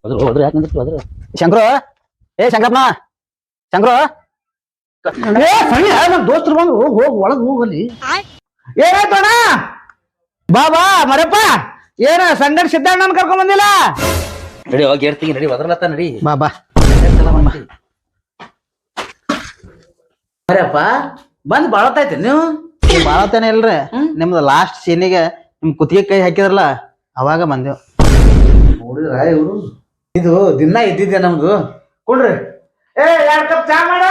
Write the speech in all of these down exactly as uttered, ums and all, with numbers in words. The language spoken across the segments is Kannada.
ಹೋದ್ರು ಹೋದ್ರು ಯಾಕೆ ನಿಂತಿತ್ತು ಹೋದ್ರು ಶಂಕರು ಏ ಶಂಕರಪ್ಪ ಶಂಕರು ಏ ಸರಿ ನಮ್ಮ ದೋಸ್ತರು ಬಂದು ಹೋಗಿ ಒಳಗ್ ಹೋಗಲಿ ಏನಾಯ್ತಣ್ಣ ಬಾ ಬಾ ಮರಪ್ಪ ಏನ ಸಂಗಡ ಸಿದ್ದಣ್ಣನ ಕರ್ಕೊಂಡ್ ಬಂದಿಲ್ಲ ನಡಿ ಹೋಗಿ ಹೇಳ್ತೀನಿ ನಡಿ ಒದ್ರಲತ್ತ ನಡಿ ಬಾ ಬಾ ಮರಪ್ಪ ಬಂದ್ ಬಾಳತೈತಿ ನೀವು ಬಾಳತೇನೆ ಇಲ್ರಿ ನಿಮ್ದು ಲಾಸ್ಟ್ ಸೀನಿಗೆ ನಿಮ್ ಕುತ್ತಿಗೆ ಕೈ ಹಾಕಿದ್ರಲ್ಲ ಅವಾಗ ಬಂದೆವು ನೋಡಿದ್ರ ಇವ್ರು ಇದು ದಿನ ಇದ್ದಿದ್ದೆ ನಮ್ದು ಕೊಡ್ರಿ ಏ ಎರಡ್ ಕಪ್ ಚಾ ಮಾಡ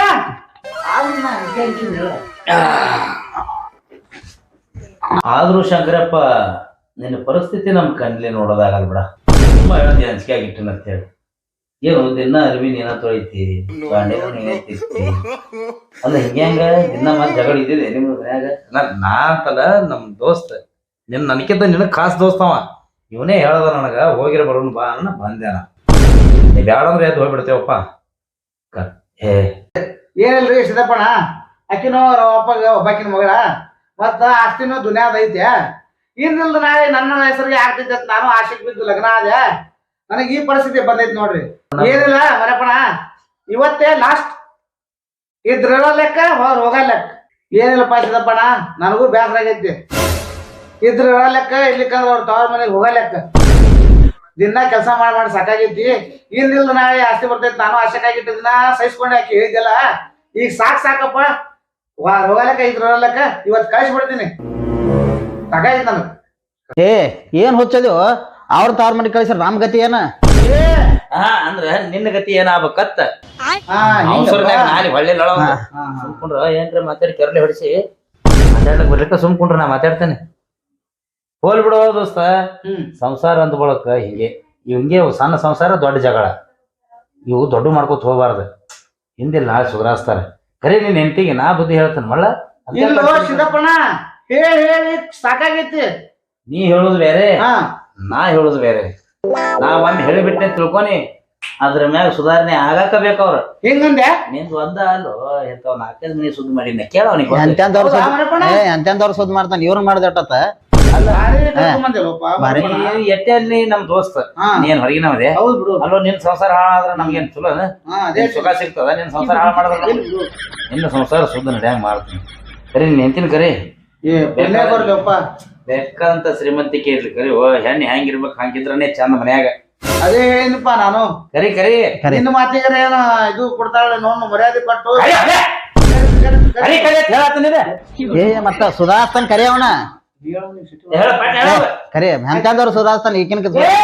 ಆದ್ರೂ ಶಂಕರಪ್ಪ ನಿನ್ನ ಪರಿಸ್ಥಿತಿ ನಮ್ ಕಣ್ಲಿ ನೋಡೋದಾಗಲ್ ಬಿಡ ತುಂಬಾ ಹೇಳದಿ ಅಂಜಿಕೆ ಆಗಿಟ್ಟಿನ ಅಂತ ಹೇಳಿ ಏನು ದಿನ ಅರಿವಿ ನೀನ ತೊಳಿತಿ ಬಾಂಡೆನೂ ನೀನೇ ತಿರ್ತಿ ಅಲ್ಲ ಹಿಂಗೆ ಹಂಗ ದಿನ ಮತ್ ಜಗಳ ಇದ್ದಿದೆ ನಿಮ್ ಮನ್ಯಾಗ ನಾ ಅಂತಲ್ಲ ನಮ್ ದೋಸ್ತ ನಿನ್ ನನಕಿಂತ ನಿನಗ್ ಖಾಸ್ ದೋಸ್ತವ ಇವನೇ ಹೇಳ್ದ ನನಗ ಹೋಗಿರ ಬರೋಣ ಬಾ ಅನ್ನ ಬಂದೇನ ನೀ ಬ್ಯಾಡಂದ್ರೆ ಎದ್ದು ಹೋಗ್ಬಿಡ್ತೇವಪ್ಪ ಏ ಏನಿಲ್ರಿ ಸಿದ್ದಪ್ಪಣ್ಣ ಅಕ್ಕಿನೋ ಅಪ್ಪಗ ಒಬ್ಬಾಕಿನ ಮಗಳ ಮತ್ತ ಆಸ್ತಿನೋ ದುನಿಯಾದ ಐತೆ ಇನ್ನಿಲ್ದ ನಾಳೆ ನನ್ನ ಹೆಸರಿಗೆ ಆಗ್ತೈತೆ ಅಂತ ನಾನು ಆಶೆಗೆ ಬಿದ್ದು ಲಗ್ನ ಆದೆ ನನಗೆ ಈ ಪರಿಸ್ಥಿತಿ ಬಂದೈತಿ ನೋಡ್ರಿ ಏನಿಲ್ಲ ಮರಪ್ಪಣ ಇವತ್ತೇ ಲಾಸ್ಟ್ ಇದ್ರ ಲೆಕ್ಕ ಹೋಗ ಲೆಕ್ಕ ಏನಿಲ್ಲಪ್ಪ ಸಿದ್ದಪ್ಪಣ್ಣ ನನಗೂ ಬೇಸರ ಆಗೈತಿ ಇದ್ರ ಲೆಕ್ಕ ಇರ್ಲಿಕ್ಕಂದ್ರ ಅವ್ರ ತವ್ರ ಮನೆಗೆ ಹೋಗ ಲೆಕ್ಕ ದಿನ ಕೆಲಸ ಮಾಡಿ ಮಾಡಿ ಸಾಕಾಗೈತಿ ಇನ್ನಿಲ್ದ ನಾಳೆ ಆಸ್ತಿ ಬರ್ತೈತಿ ನಾನು ಆಶೆಕಾಗಿಟ್ಟ ದಿನ ಸಹಿಸ್ಕೊಂಡೆ ಆಕಿ ಹೇಳಿದ್ದೆಲ್ಲ ಈಗ ಸಾಕ್ ಸಾಕಪ್ಪ ಹೋಗಲಕ್ಕ ಇದ್ರ ಲೆಕ್ಕ ಇವತ್ ಕಳಿಸ್ಬಿಡ್ತೀನಿ ಸಾಕಾಗೈತಿ ನನಗ ಏ ಏನ್ ಹುಚ್ಚದು ಅವ್ರ ತಾವ್ರ ಮನೆ ಕಳಿಸ್ರ ನಮ್ ಗತಿ ಏನ ಹಾ ಅಂದ್ರ ನಿನ್ನ ಗತಿ ಏನಾಗ್ಬೇಕತ್ತ ನಾಲಿ ಹೊಳ್ಳಿ ಸುಮ್ಕೊಂಡ್ರ ಏನ್ರ ಮಾತಾಡಿ ಕೆರಳಿ ಹೊಡಿಸಿ ಮಾತಾಡ್ಲಕ್ ಬರ್ಲಿಕ್ಕ ಸುಮ್ಕೊಂಡ್ರ ನಾ ಮಾತಾಡ್ತೇನೆ ಹೋಲ್ ಬಿಡೋ ದೋಸ್ತ ಸಂಸಾರ ಅಂದ ಬಳಕ ಹಿಂಗೆ ಇವ್ ಹಿಂಗೆ ಸಣ್ಣ ಸಂಸಾರ ದೊಡ್ಡ ಜಗಳ ಇವು ದೊಡ್ಡ ಮಾಡ್ಕೊತ ಹೋಗ್ಬಾರ್ದು ಹಿಂದಿಲ್ ನಾಳೆ ಸುಧಾರಿಸ್ತಾರ ಖರೆ ನಿನ್ ಹೆಂಡತಿಗೆ ನಾ ಬುದ್ಧಿ ಹೇಳ್ತೇನೆ ಮಳ್ಳ ಸಿದ್ದಪ್ಪಣ್ಣ ಹೇಳಿ ಹೇಳಿ ಸಾಕಾಗೈತಿ ನೀ ಹೇಳುದು ಬೇರೆ ನಾ ಹೇಳುದು ಬೇರೆ ನಾ ಒಮ್ಮೆ ಹೇಳಿಬಿಟ್ಟೆ ತಿಳ್ಕೊನಿ ಅದ್ರ ಮ್ಯಾಗ ಸುಧಾರಣೆ ಆಗಾಕ ಬೇಕವ್ರ ಹೆಂಗಂದೆ ನಿಂದ ಒಂದ ಅಲ್ಲೋ ಎಂತವ್ ನಾಲ್ಕೈದು ಮನಿ ಸುದ್ದಿ ಮಾಡಿನ ಕೇಳ ಅವನಿಗೆ ಎಂತೆಂತವ್ರ ಸುದ್ದಿ ಮಾಡ್ತಾನ ಇವ್ರು ಮಾಡ್ದಟ್ಟತ್ತ ಎಟ್ಟೆ ಅಲ್ಲಿ ನಮ್ ದೋಸ್ತ ನೀನ್ ಹೊರಗಿನವದೇ ಅಲ್ಲೋ ನಿನ್ ಸಂಸಾರ ಹಾಳಾದ್ರ ನಮ್ಗೇನ್ ಚಲೋ ಸುಖ ಸಿಗ್ತದ ನಿನ್ ಸಂಸಾರ ಹಾಳ ಮಾಡಿದ್ರ ನಿನ್ನ ಸಂಸಾರ ಸುದ್ದ ನಡ್ಯಾಂಗ ಮಾಡ್ತೀನಿ ಕರಿ ನೀನ್ ಎಂತಿನ ಕರಿ ಬೇಕಾದಂತ ಶ್ರೀಮಂತಿಕೆ ಇರ್ಲಿ ಕರಿ ಓ ಹೆಣ್ಣು ಹೆಂಗಿರ್ಬೇಕು ಹಂಗಿದ್ರನೇ ಚಂದ ಮನ್ಯಾಗ ಅದೇ ಏನಪ್ಪ ನಾನು ಕರಿ ಕರಿ ನಿನ್ನ ಮಾತಿಗರ ಏನ ಇದು ಕೊಡ್ತಾಳೆ ನೋಡ್ ಮರ್ಯಾದೆ ಕೊಟ್ಟು ಏ ಮತ್ತ ಸುಧಾರಿಸ್ತಾನ ಕರಿ ಅವನ ಕರಿ ಎಂತಂದವ್ರು ಸುಧಾರಿಸ್ತಾನ ಈಗಿನ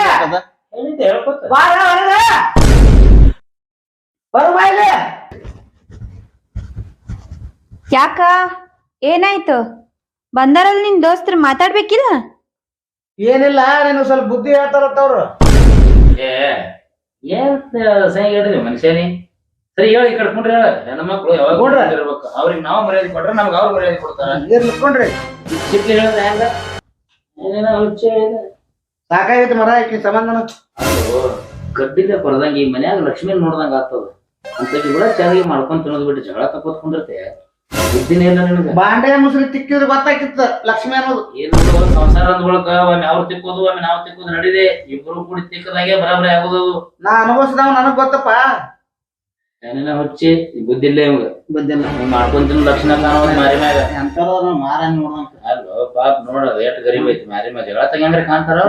ಯಾಕ ಏನಾಯ್ತು ಬಂದಾರಲ್ಲ ನಿನ್ ದೋಸ್ತರು ಮಾತಾಡ್ಬೇಕಿಲ್ಲ ಏನಿಲ್ಲ ನೀನು ಸ್ವಲ್ಪ ಬುದ್ಧಿ ಹೇಳ್ತಾರತ್ತವ್ರು ಏ ಏನ್ ಸಹಿ ಹೇಳಿದ್ವಿ ಮನುಷ್ಯನಿ ಸರಿ ಹೇಳಿ ಕಡ್ಕೊಂಡ್ರಿ ಹೇಳ ನನ್ನ ಮಕ್ಳು ಯಾವಾಗ ಇರ್ಬೇಕು ಅವ್ರಿಗೆ ನಾವು ಮರ್ಯಾದೆ ಕೊಟ್ರೆ ನಮ್ಗೆ ಅವ್ರು ಮರ್ಯಾದೆ ಕೊಡ್ತಾರ ಇರ್ಲಿಕ್ಕೊಂಡ್ರಿ ಚಿಪ್ಲಿ ಹೇಳಿದ್ರೆ ಹೆಂಗ ಏನೇನ ಹುಚ್ಚ ಸಾಕಾಗೈತಿ ಮರ ಈಕಿ ಸಂಬಂಧನ ಗಡ್ಡಿಲೆ ಕೊರದಂಗ ಈ ಮನ್ಯಾಗ ಲಕ್ಷ್ಮಿ ನೋಡ್ದಂಗ ಆಗ್ತದ ಅಂತ ಕೂಡ ಚೆನ್ನಾಗಿ ಮಾಡ್ಕೊಂಡ್ ತಿನ್ನೋದ್ ಬಿಟ್ಟು ಜಗಳ ತಕ್ಕೋತ್ಕೊಂಡಿರ್ತೆ ಬುದ್ಧಿನೇ ಇಲ್ಲ ನಿನಗ ಬಾಂಡೆ ಮುಸುರಿ ತಿಕ್ಕಿದ್ರೆ ಗೊತ್ತಾಗಿತ್ತ ಲಕ್ಷ್ಮಿ ಅನ್ನೋದು ಏನು ಸಂಸಾರ ಅಂದ್ಕೊಳಕ ಒಮ್ಮೆ ಅವ್ರು ತಿಕ್ಕೋದು ಒಮ್ಮೆ ನಾವು ತಿಕ್ಕೋದು ನಡಿದೆ ಇಬ್ರು ಕೂಡಿ ತಿಕ್ಕದಾಗೆ ಬರಾಬರಿ ಆಗೋದು ನಾ ಅನುಭವಿಸಿದವ ನನಗ್ ಗೊತ್ತಪ್ಪ ಏನೇನ ಹುಚ್ಚಿ ಬುದ್ಧಿ ಇಲ್ಲ ಇವಾಗ ಬುದ್ಧಿ ಇಲ್ಲ ಮಾಡ್ಕೊಂತಿನ ಲಕ್ಷಣ ಕಾಣೋದು ಮಾರಿ ಮ್ಯಾಗ ಮಾರ ನೋಡಂತ ಅಲ್ವ ಪಾಪ ನೋಡ ಎಷ್ಟು ಗರೀಬ್ ಐತಿ ಮಾರಿ ಮ್ಯಾಗ ಜಗಳ ತಗಂಗ್ರೆ ಕಾಣ್ತಾರ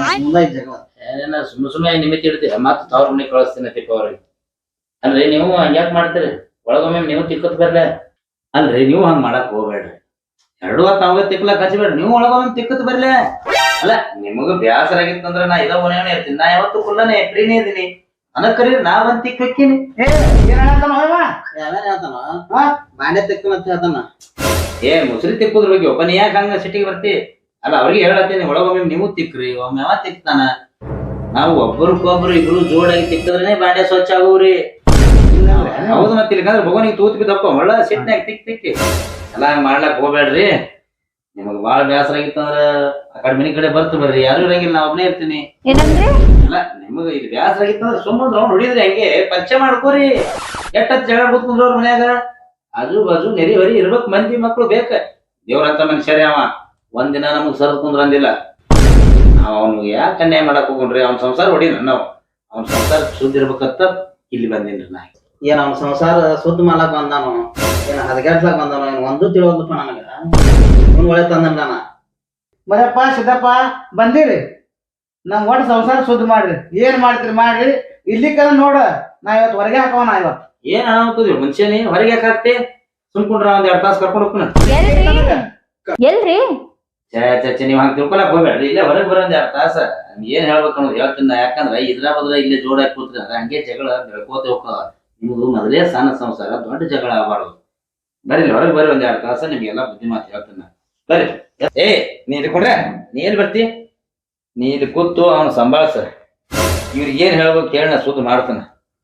ಏನೇನ ಸುಮ್ಮ ಸುಮ್ಮನೆ ನಿಮಿತಿ ಇಡ್ತೀರ ಮತ್ತ ತವ್ರ ಮನೆ ಕಳಿಸ್ತೀನಿ ತಿಕ್ಕ ಅವ್ರಿಗೆ ಅಲ್ರಿ ನೀವು ಹಂಗ್ಯಾಕ್ ಮಾಡ್ತೀರಿ ಒಳಗೊಮ್ಮೆ ನೀವು ತಿಕ್ಕತ್ ಬರ್ಲೆ ಅಲ್ರಿ ನೀವು ಹಂಗ ಮಾಡಕ್ ಹೋಗ್ಬೇಡ್ರಿ ಎರಡು ಹೊತ್ತು ಅವಾಗ ತಿಕ್ಲಕ್ ಹಚ್ಬೇಡ್ರಿ ನೀವು ಒಳಗೊಮ್ಮೆ ತಿಕ್ಕತ್ ಬರ್ಲೆ ಅಲ್ಲ ನಿಮಗ ಬ್ಯಾಸರ ಆಗಿತ್ತಂದ್ರ ನಾ ಇದ ಮನೆಯೇ ಇರ್ತೀನಿ ನಾ ಯಾವತ್ತು ಕುಲ್ಲನೆ ಫ್ರೀನೇ ಇದೀನಿ ನನಗ್ ಕರೀರಿ ನಾ ಒಂದ್ ತಿಕ್ ಹಾಕಿನಿ ಏನ್ ಹೇಳ್ತಾನ ಯಾವ್ಯಾರ ಹೇಳ್ತಾನ ಬಾಂಡೆ ತಿಕ್ಕನಂತ ಹೇಳ್ತಾನ ಏ ಮುಸ್ರಿ ತಿಕ್ಕುದ್ರ ಬಗ್ಗೆ ಒಬ್ಬ ನೀ ಯಾಕೆ ಹಂಗ ಸಿಟಿಗೆ ಬರ್ತಿ ಅಲ್ಲ ಅವ್ರಿಗೆ ಹೇಳತ್ತೀನಿ ಒಳಗೊಮ್ಮೆ ನೀವು ತಿಕ್ರಿ ಒಮ್ಮೆ ಯಾವ ತಿಕ್ತಾನ ನಾವು ಒಬ್ಬರಿಗೊಬ್ರು ಇಬ್ರು ಜೋಡಾಗಿ ತಿಕ್ಕದ್ರೇನೆ ಬಾಂಡೆ ಸ್ವಚ್ಛ ಆಗೋವ್ರಿ ಹೌದು ಮತ್ತೆ ಇಲ್ಲಿಕಂದ್ರೆ ಭಗವನಿಗೆ ತೂತ್ ಬಿದ್ದಪ್ಪ ಒಳ್ಳ ಸಿಟ್ನಾಗ ತಿಕ್ ತಿಕ್ಕಿ ಎಲ್ಲ ಹಂಗ ಮಾಡ್ಲಾಕ್ ಹೋಗ್ಬೇಡ್ರಿ ನಿಮಗ್ ಬಾಳ ಬೇಸರ ಆಗಿತ್ತಂದ್ರ ಆ ಕಡೆ ಮನಿ ಕಡೆ ಬರ್ತು ಬರ್ರಿ ಯಾರು ಇರಂಗಿಲ್ಲ ನಾ ಒಬ್ನೇ ಇರ್ತೀನಿ ಅಲ್ಲ ನಿಮಗ ಇದು ಬೇಸರ ಆಗಿತ್ತಂದ್ರ ಸುಮ್ಮನೆ ರೌಂಡ್ ಹೊಡಿದ್ರಿ ಹಂಗೆ ಪರಿಚಯ ಮಾಡ್ಕೋರಿ ಎಟ್ಟತ್ ಜಗಳ ಕೂತ್ಕೊಂಡ್ರ ಅವ್ರ ಮನ್ಯಾಗ ಆಜು ಬಾಜು ನೆರಿ ಹೊರಿ ಇರ್ಬೇಕ್ ಮಂದಿ ಮಕ್ಳು ಬೇಕ ದೇವ್ರಂತ ಮನುಷ್ಯರೇ ಅವ ಒಂದಿನ ನಮಗ್ ಸರದ್ ಕುಂದ್ರ ಅಂದಿಲ್ಲ ನಾವ್ ಅವ್ನಿಗೆ ಯಾಕೆ ಅನ್ಯಾಯ ಮಾಡಕ್ ಹೋಗ್ರಿ ಅವ್ನ ಸಂಸಾರ ಹೊಡಿನ ನಾವು ಅವ್ನ ಸಂಸಾರ ಶುದ್ಧ ಇರ್ಬೇಕಂತ ಇಲ್ಲಿ ಬಂದೇನ್ರಿ ನಾ. ಏನ್ ಅವ್ನ ಸಂಸಾರ ಸುದ್ದ ಮಾಡ್ಲಾಕ್ ಬಂದಾನು ಏನ್ ಹದಗೆಟ್ಲಾಕ್ ಬಂದಾನು ಏನ್ ಒಂದು ತಿಳಿವಲ್ದಪ್ಪ ನನಗ. ಅವ್ನ್ ಒಳ್ಳೆ ತಂದನ್ ನಾನ. ಮರಪ್ಪ ಸಿದ್ದಪ್ಪ ಬಂದಿರಿ, ನಮ್ ಒಟ್ಟು ಸಂಸಾರ ಶುದ್ಧ ಮಾಡ್ರಿ. ಏನ್ ಮಾಡ್ತೀರಿ ಮಾಡ್ರಿ, ಇಲ್ಲಿ ಕಲ ನೋಡ ನಾ ಇವತ್ತು ಹೊರಗೆ ಹಾಕೋಣ. ಇವತ್ತು ಏನ್ ಅನಾಹುತದ್ರಿ ಮನುಷ್ಯನೇ ಹೊರಗೆ ಯಾಕೆ ಹಾಕ್ತಿ? ಸುಮ್ಕೊಂಡ್ರ ಒಂದ್ ಎರಡ್ ತಾಸು ಕರ್ಕೊಂಡು ಹೋಗ್ತಾನ. ಎಲ್ರಿ ಛೇ ಛೇ ಛೇ ನೀವ್ ಹಂಗ ತಿಳ್ಕೊಳಕ್ ಹೋಗ್ಬೇಡ್ರಿ. ಇಲ್ಲೇ ಹೊರಗೆ ಬರೋದ್ ಎರಡ್ ತಾಸ ಏನ್ ಹೇಳ್ಬೇಕು ಅನ್ನೋದು ಹೇಳ್ತೀನಿ ನಾ. ಯಾಕಂದ್ರ ಇದ್ರ ಬದ್ರ ಇಲ್ಲೇ ಜೋಡಾಗಿ ಕೂತ್ರಿ ಅಂದ್ರೆ ಹಂಗೆ ಜಗಳ ಬೆಳ್ಕೋತ ಹೋಗ್ತದ. ನಿಮ್ದು ಮೊದಲೇ ಸಣ್ಣ ಸಂಸಾರ, ದೊಡ್ಡ ಜಗಳ ಆಗಬಾರ್ದು. ಬರ್ರಿ ಹೊರಗೆ ಬರ್ರಿ ಒಂದ್ ಎರಡ್ ತಾಸ ನಿಮ್ಗೆಲ್ಲಾ ಬುದ್ಧಿ ಮಾತು ಹೇಳ್ತೀನಿ ನಾ. ಬರ್ರಿ. ಏ ನೀ ಇಟ್ಕೊಂಡ್ರೆ ನೀ ಎಲ್ಲಿ ಬರ್ತಿ? ನೀ ಇಲ್ಲಿ ಕೂತು ಅವನು ಸಂಭಾಳಿಸ. ಇವ್ರಿಗೆ ಏನ್ ಹೇಳ್ಬೇಕು ಹೇಳ ನಾ ಸುದ್ದಿ ಮಾಡ್ತಾನ.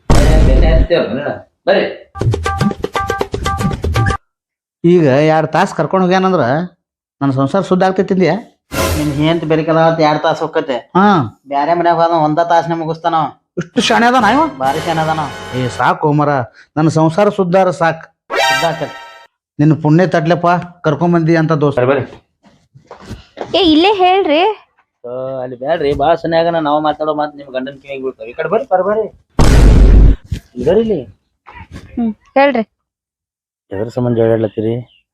ಬರ್ರಿ. ಈಗ ಎರಡ್ ತಾಸು ಕರ್ಕೊಂಡು ಹೋಗ್ಯಾನಂದ್ರ ನನ್ನ ಸಂಸಾರ ಶುದ್ಧ ಆಗ್ತೈತಿದ್ಯಾ? ನಿನ್ ಹೆಂತ ಬೆರಿಕಲ್ಲ ಎರಡ್ ತಾಸ ಹೋಗತ್ತೆ. ಹಾ, ಬ್ಯಾರೆ ಮನ್ಯಾಗ ಹೋದ ಒಂದ ತಾಸನೆ ಮುಗಿಸ್ತಾನ. ಇಷ್ಟು ಶಾಣೆ ಅದ ನಾವ ಬಾರಿ ಶಾನೆ ಅದಾನ. ಏ ಸಾಕು ಮರ, ನನ್ನ ಸಂಸಾರ ಸುದ್ದಾರ ಸಾಕು. ನಿನ್ನ ಪುಣ್ಯ ತಟ್ಲೆಪ್ಪ ಕರ್ಕೊಂಡ್ ಬಂದಿ ಅಂತ ದೋಸ್ತ. ಬರ್ರಿ ಏ ಇಲ್ಲೇ ಹೇಳ್ರಿ. ಅಲ್ಲಿ ಬ್ಯಾಡ್ರಿ, ಬಾಳ ಸನ್ಯಾಗನ ನಾವು ಮಾತಾಡೋ ಮಾತು ನಿಮ್ ಗಂಡನ ಕಿವಿಗೆ ಬೀಳ್ತಾವ. ಈ ಕಡೆ ಬರ್ರಿ ಬರ್ ಬರ್ರಿ ಬರ್ರಿ ಇಲ್ಲಿ. ಹ್ಮ್ ಹೇಳ್ರಿ. ಎದ್ರ ಸಂಬಂಧ ಹೇಳತ್ತೀರಿ?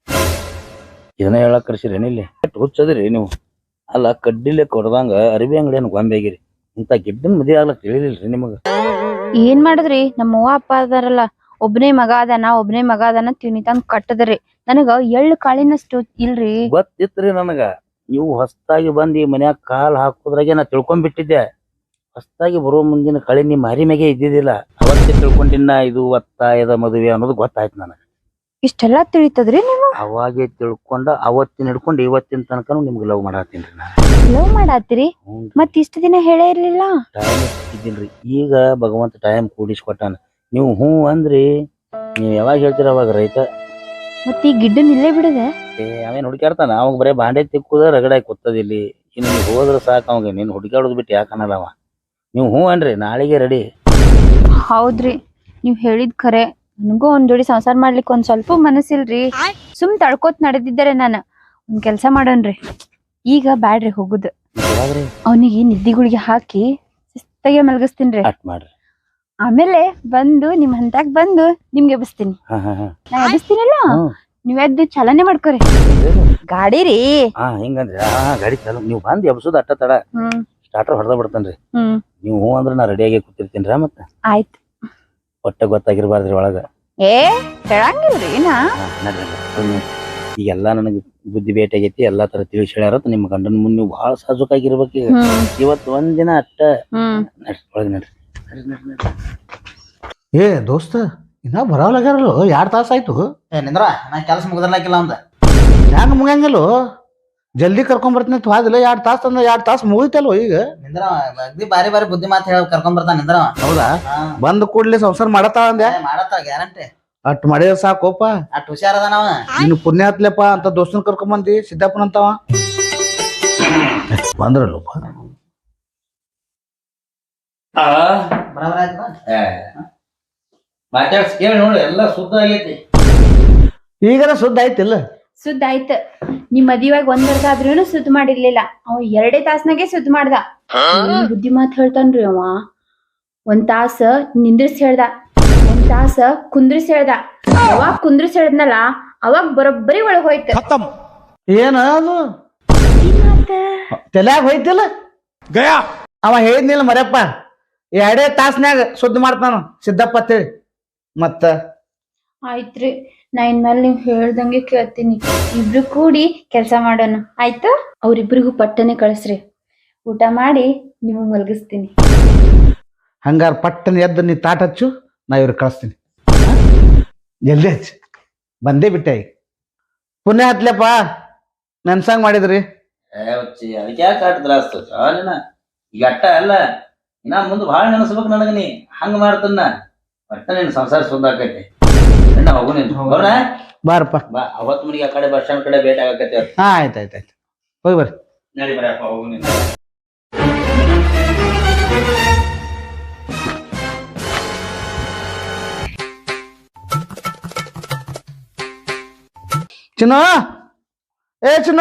ಇದನ್ನ ಹೇಳಕ್ ಕರ್ಸಿರೇನ ಇಲ್ಲಿ? ಹುಚ್ಚದ್ರಿ ನೀವು. ಅಲ್ಲ ಕಡ್ಡಿಲೆ ಕೊಡ್ದಂಗ ಅರಿವಿ ಅಂಗಡಿಯನ್ ಗೊಂಬೆಗಿರಿ. ಇಂತ ಗಿಡ್ಡನ್ ಮದುವೆ ಆಗ್ಲಕ್ ತಿಳಿಲಿಲ್ರಿ ನಿಮಗ? ಏನ್ ಮಾಡುದ್ರಿ, ನಮ್ಮ ಅವ್ವ ಅಪ್ಪ ಅದಾರಲ್ಲ, ಒಬ್ನೇ ಮಗ ಅದಾನ ಒಬ್ನೇ ಮಗ ಅದಾನ ತಿನಿ ತಂದ್ ಕಟ್ಟದ್ರಿ. ನನಗ ಎಳ್ಳು ಕಾಳಿನಷ್ಟು ಇಲ್ರಿ. ಗೊತ್ತಿತ್ರಿ ನನಗ. ನೀವು ಹೊಸ್ತಾಗಿ ಬಂದ್ ಈ ಮನ್ಯಾಗ ಕಾಲ್ ಹಾಕೋದ್ರಾಗೆ ನಾ ತಿಳ್ಕೊಂಡ್ಬಿಟ್ಟಿದ್ದೆ. ಹೊಸ್ತಾಗಿ ಬರೋ ಮುಂದಿನ ಕಳೆ ನಿಮ್ ಮಾರಿ ಮ್ಯಾಗೆ ಇದ್ದಿದ್ದಿಲ್ಲ. ಅವತ್ತೇ ತಿಳ್ಕೊಂಡಿನ ಇದು ಒತ್ತಾಯದ ಮದುವೆ ಅನ್ನೋದು ಗೊತ್ತಾಯ್ತು ನನಗ. ಇಷ್ಟೆಲ್ಲಾ ತಿಳಿತದ್ರಿ ನೀವು? ಅವಾಗೆ ತಿಳ್ಕೊಂಡ ಅವತ್ತಿನ ಹಿಡ್ಕೊಂಡು ಇವತ್ತಿನ ತನಕ ನಿಮ್ಗೆ ಲವ್ ಮಾಡತ್ತೀನ್ರಿ ನಾ. ಲವ್ ಮಾಡಾತ್ರಿ? ಮತ್ ಇಷ್ಟ ದಿನ ಹೇಳೇ ಇರ್ಲಿಲ್ಲ. ಟೈಮ್ ಇದ್ದಿಲ್ರಿ. ಈಗ ಭಗವಂತ ಟೈಮ್ ಕೂಡಿಸ್ಕೊಟ್ಟಾನ. ನೀವು ಹ್ಞೂ ಅಂದ್ರಿ, ನೀವ್ ಯಾವಾಗ ಹೇಳ್ತೀರ ಅವಾಗ ರೈತ. ಮತ್ ಈ ಗಿಡ್ಡನ್ ಇಲ್ಲೇ ಬಿಡದೆ? ಏ ಅವೇನ್ ಹುಡುಕ್ಯಾಡ್ತಾನ? ಅವಾಗ ಬರೇ ಬಾಂಡೆ ತಿಕ್ಕುದ ರಗಡಾಗಿ ಕೂತದ ಇಲ್ಲಿ. ಇನ್ನು ನೀವು ಹೋದ್ರ ಸಾಕು ಅವಾಗ. ನೀನ್ ಹುಡುಕ್ಯಾಡೋದ್ ಬಿಟ್ಟು ಯಾಕನ್ನಲ್ಲ ಅವ. ನೀವು ಹ್ಞೂ ಅನ್ರಿ, ನಾಳೆಗೆ ರೆಡಿ. ಹೌದ್ರಿ, ನೀವ್ ಹೇಳಿದ್ ಖರೆ. ನನಗೂ ಒಂದ್ ಜೋಡಿ ಸಂಸಾರ ಮಾಡ್ಲಿಕ್ಕೆ ಒಂದ್ ಸ್ವಲ್ಪ ಮನಸ್ಸಿಲ್ರಿ. ಸುಮ್ ತಡ್ಕೋತ್ ನಡೆದಿದ್ದಾರೆ. ನಾನು ಒಂದ್ ಕೆಲ್ಸ ಮಾಡೋನ್ರಿ, ಈಗ ಬ್ಯಾಡ್ರಿ ಹೋಗುದು. ಅವನಿಗೆ ನಿದ್ದಿಗುಳಿಗೆ ಹಾಕಿ ಶಿಸ್ತಾಗೆ ಮಲಗಿಸ್ತೀನ್ರಿ. ಅಟ್ ಮಾಡ್ರಿ. ಆಮೇಲೆ ಬಂದು ನಿಮ್ ಹಂತಾಗ್ ಬಂದು ನಿಮ್ಗೆ ಎಬ್ಬಿಸ್ತೀನಿ. ನಾ ಎಬ್ಬಿಸ್ತೀನಲ್ಲ, ನೀವ್ ಎದ್ದು ಚಲನೆ ಮಾಡ್ಕೊರಿ. ಗಾಡಿ ರೀ. ಹಾ ಹಿಂಗಂದ್ರಿ? ಹಾ ಗಾಡಿ ಚಾಲು. ನೀವು ಬಂದ್ ಎಬ್ಸುದ್ ಅಟ್ಟ ತಡ. ಹ್ಮ್ ಸ್ಟಾರ್ಟರ್ ಹೊಡೆದ ಬಿಡ್ತೇನ್ರಿ. ಹ್ಮ್ ನೀವು ಹ್ಞೂ ಅಂದ್ರ ನಾ ರೆಡಿಯಾಗಿ ಕೂತಿರ್ತೀನ್ರಿ. ಮತ್ತೆ ಆಯ್ತು. ಒಟ್ಟ ಗೊತ್ತಾಗಿರ್ಬಾರ್ದ್ರಿ ಒಳಗ. ಏ ಹೇಳಂಗಿಲ್ರಿ ನಾ. ಈಗೆಲ್ಲಾ ನನಗ್ ಬುದ್ಧಿ ಭೇಟಿ ಆಗೈತಿ. ಎಲ್ಲಾ ತರ ತಿಳಿಸಿ ಹೇಳ್ಯಾರ. ನಿಮ್ಮ ಗಂಡನ ಮುಂದೆ ನೀವು ಬಹಳ ಸಾಜುಕಾಗಿರ್ಬೇಕು. ಈಗ ಇವತ್ತು ಒಂದ್ ದಿನ ಅಟ್ಟ ನಡ್ರಿ ಒಳಗ ನಡ್ರಿ. ಏ ದೋಸ್ತ, ಇನ್ನ ಬರವಲ್ಲಾಗ್ಯಾರಲ್ಲ, ಎರಡ್ ತಾಸ ಆಯ್ತು. ಏ ನಿಂದ್ರ, ನಾ ಕೆಲ್ಸ ಮುಗ್ದಿರ್ಲಾಕಿಲ್ಲ ಅವಂದ. ಹೆಂಗ ಮುಗಿಯಂಗಿಲ್ಲ? ಜಲ್ದಿ ಕರ್ಕೊಂಡ್ ಬರ್ತೀನಿ ಅಂತ ಹೋದಿಲ್ಲ. ಎರಡ್ ತಾಸ ಅಂದ್ರ ಎರಡ್ ತಾಸ ಮುಗಿತಲ್ವ ಈಗ? ನಿಂದ್ರ ಅಗ್ದಿ ಬಾರಿ ಬಾರಿ ಬುದ್ಧಿ ಮಾತು ಹೇಳಿ ಕರ್ಕೊಂಡ್ ಬರ್ತಾನ ನಿಂದ್ರ. ಹೌದಾ? ಬಂದ್ ಕೂಡ್ಲಿ ಸಂಸಾರ ಮಾಡತ್ತಾಳ ಅಂದೆ. ಮಾಡತ್ತಾಳ ಗ್ಯಾರಂಟಿ. ಅಟ್ ಮಾಡಿದ್ರ ಸಾಕೋಪ. ಅಟ್ ಹುಷಾರ ಅದ ನಾವ. ನಿನ್ ಪುಣ್ಯ ಹತ್ಲೆಪ್ಪ ಅಂತ ದೋಸ್ತನ್ ಕರ್ಕೊಂಡ್ ಬಂದಿ. ಸಿದ್ದಪ್ಪನ ಅಂತವ ಬಂದ್ರಲ್ಲಪ್ಪ. ಬರಾಬರ ಆಯ್ತದ. ಮಾತಾಡ್ಸ್ ಕೇಳಿ ನೋಡಿ, ಎಲ್ಲಾ ಶುದ್ಧ ಆಗೈತಿ. ಈಗರ ಸುದ್ದ ಆಯ್ತಿಲ್ಲ? ಸುದ್ದ ಆಯ್ತ. ನಿಮ್ ಮದಿವಾಗ ಒಂದ್ ವರ್ಷ ಆದ್ರೂನು ಸುದ್ದ ಮಾಡಿರ್ಲಿಲ್ಲ. ಅವ ಎರಡೇ ತಾಸ್ನಾಗೆ ಸುದ್ದ ಮಾಡ್ದ. ಬುದ್ಧಿ ಮಾತ್ ಹೇಳ್ತಾನ್ರಿ ಅವ. ಒಂದ್ ತಾಸ ನಿಂದ್ರಿಸಿ ಹೇಳ್ದ, ಒಂದ್ ತಾಸ ಕುಂದ್ರಿಸಿ ಹೇಳ್ದ. ಅವಾಗ ಕುಂದ್ರಿಸಿ ಹೇಳ್ದನಲ್ಲ, ಅವಾಗ ಬರೋಬ್ಬರಿ ಒಳಗ್ ಹೋಯ್ತ. ಏನ ಅದು ತಲ್ಯಾಗ ಹೋಯ್ತಿಲ್ಲ? ಅವ ಹೇಳಿದ್ನಿಲ್ಲ ಮರ್ಯಪ್ಪ, ಎರಡೇ ತಾಸ್ನ್ಯಾಗ ಸುದ್ದ ಮಾಡ್ತಾನ ಸಿದ್ದಪ್ಪ ಅಂತೇಳಿ. ಮತ್ತ ಆಯ್ತ್ರಿ, ನಾ ಇನ್ಮೇಲೆ ನೀವ್ ಹೇಳ್ದಂಗೆ ಕೇಳ್ತೀನಿ. ಇಬ್ರು ಕೂಡಿ ಕೆಲ್ಸ ಮಾಡೋಣ ಆಯ್ತು? ಅವ್ರಿಬ್ರಿಗೂ ಪಟ್ಟನೆ ಕಳಿಸ್ರಿ. ಊಟ ಮಾಡಿ ನಿಮಗ್ ಮಲಗಿಸ್ತೀನಿ. ಹಂಗಾರ ಪಟ್ಟನ ಎದ್ದು ನೀ ತಾಟ ಹಚ್ಚು, ನಾ ಇವ್ರಿಗೆ ಕಳಿಸ್ತೀನಿ. ಜಲ್ದಿ ಹಚ್ಚು. ಬಂದೇ ಬಿಟ್ಟೆ ಈಗ. ಪುಣ್ಯ ಹತ್ಲಪ್ಪ, ನೆನ್ಸಂಗ್ ಮಾಡಿದ್ರಿ. ಅದಕ್ಕೆ ಯಾಕೆ ಆಟದ್ರ ಈಗ ಅಟ್ಟ ಅಲ್ಲ, ಇನ್ನ ಮುಂದ್ ಭಾಳ ನೆನಸ್ಬೇಕು ನನಗ. ನೀ ಹಂಗ ಮಾಡ್ತನ್ನ ಒಟ್ಟ ನಿನ್ ಸಂಸಾರ ಸುದ್ದ ಆಕೈತಿ. ಹೋಗು ನೀನ್ ಬರೋಣ. ಬಾರಪ್ಪ ಬಾ. ಅವತ್ ಮನಿಗೆ ಆ ಕಡೆ ಬಸ್ ಸ್ಟ್ಯಾಂಡ್ ಕಡೆ ಭೇಟಿ ಆಗಕೈತಿ. ಹಾ ಆಯ್ತು ಆಯ್ತು ಆಯ್ತು ಹೋಗಿ ಬರ್ರಿ. ನಡಿ ಬರಪ್ಪ, ಹೋಗು ನೀನು. ಚಿನ್ನ, ಏ ಚಿನ್ನ,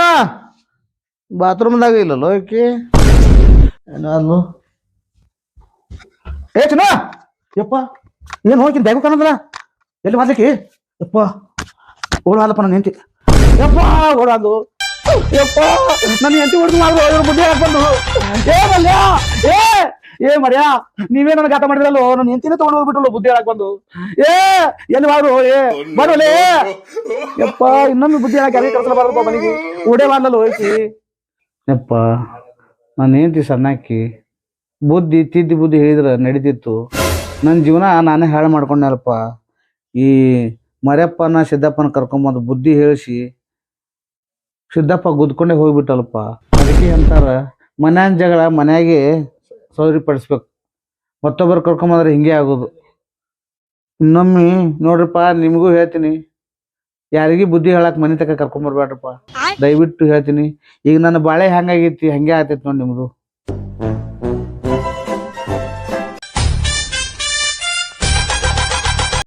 ಬಾತ್ರೂಮ್ದಾಗ ಇಲ್ಲಲ್ಲೋ ಈಕಿ. ಏನೋ ಏ ಚಿನ್ನ ಯಪ್ಪ ಏನು ಹೋಗಿನ್ ಬ್ಯಾಗು ಕಾಣೋದಲ್ಲ ಎಲ್ಲಿ ಮಾಡ್ಲಿಕ್ಕೆ ಯಪ್ಪ ಓಡಾದಪ್ಪ ನನ್ನ ಹೆಂಡತಿ ಯಪ್ಪ ಓಡಾದು ಯಪ್ಪ ನನ್ನ ಹೆಂಡತಿ ಹೊಡೆದು ಮಾಡ್ಬೋದು ಬುದ್ಧಿ ಹಾಕೊಂಡು ಏ ಮಲ್ಯ ಏ ಏ ಮರ್ಯ ನೀವೇ ನನ್ನ ಗಾತ ಮಾಡಿದ್ರಲ್ಲೋ ನನ್ನ ಹೆಂಡತಿನೇ ತಗೊಂಡು ಹೋಗ್ಬಿಟ್ಟಲ್ಲ ಬುದ್ಧಿ ಹಾಕ್ ಬಂದು ಏ ಎಲ್ಲಿ ಬಾರು ಏ ಬರೋಲೇ ಯಪ್ಪ ಇನ್ನೊಮ್ಮೆ ಬುದ್ಧಿ ಹಾಕಿ ಅದೇ ಕರ್ಸಲಬಾರದಪ್ಪ ಮನೆಗೆ ಓಡೇ ಮಾಡ್ಲಲ್ಲ ಹೋಯ್ತಿ ಯಪ್ಪ ನನ್ನ ಹೆಂಡತಿ ಸಣ್ಣಾಕಿ ಬುದ್ಧಿ ತಿದ್ದಿ ಬುದ್ಧಿ ಹೇಳಿದ್ರೆ ನಡೀತಿತ್ತು ನನ್ನ ಜೀವನ ನಾನೇ ಹಾಳು ಮಾಡ್ಕೊಂಡಲ್ಪ ಈ ಮರ್ಯಪ್ಪನ ಸಿದ್ದಪ್ಪನ ಕರ್ಕೊಂಬಂದು ಬುದ್ಧಿ ಹೇಳಿಸಿ ಸಿದ್ದಪ್ಪ ಗುದ್ಕೊಂಡೇ ಹೋಗ್ಬಿಟ್ಟಲ್ಪ ಅದಕ್ಕೆ ಅಂತಾರ ಮನ್ಯಾನ ಜಗಳ ಮನ್ಯಾಗೆ ಸೌರಿಪಡಿಸ್ಬೇಕು ಮತ್ತೊಬ್ಬರು ಕರ್ಕೊಂಬಂದ್ರೆ ಹಿಂಗೆ ಆಗೋದು ಇನ್ನೊಮ್ಮೆ ನೋಡ್ರಿಪ್ಪ ನಿಮಗೂ ಹೇಳ್ತೀನಿ ಯಾರಿಗೂ ಬುದ್ಧಿ ಹೇಳಕ್ ಮನೆ ತಕ ಕರ್ಕೊಂಬರ್ಬೇಡ್ರಪ್ಪ ದಯವಿಟ್ಟು ಹೇಳ್ತೀನಿ ಈಗ ನನ್ನ ಬಾಳೆ ಹೆಂಗಾಗೈತಿ ಹಂಗೆ ಆಗ್ತೈತಿ ನೋಡಿ ನಿಮ್ದು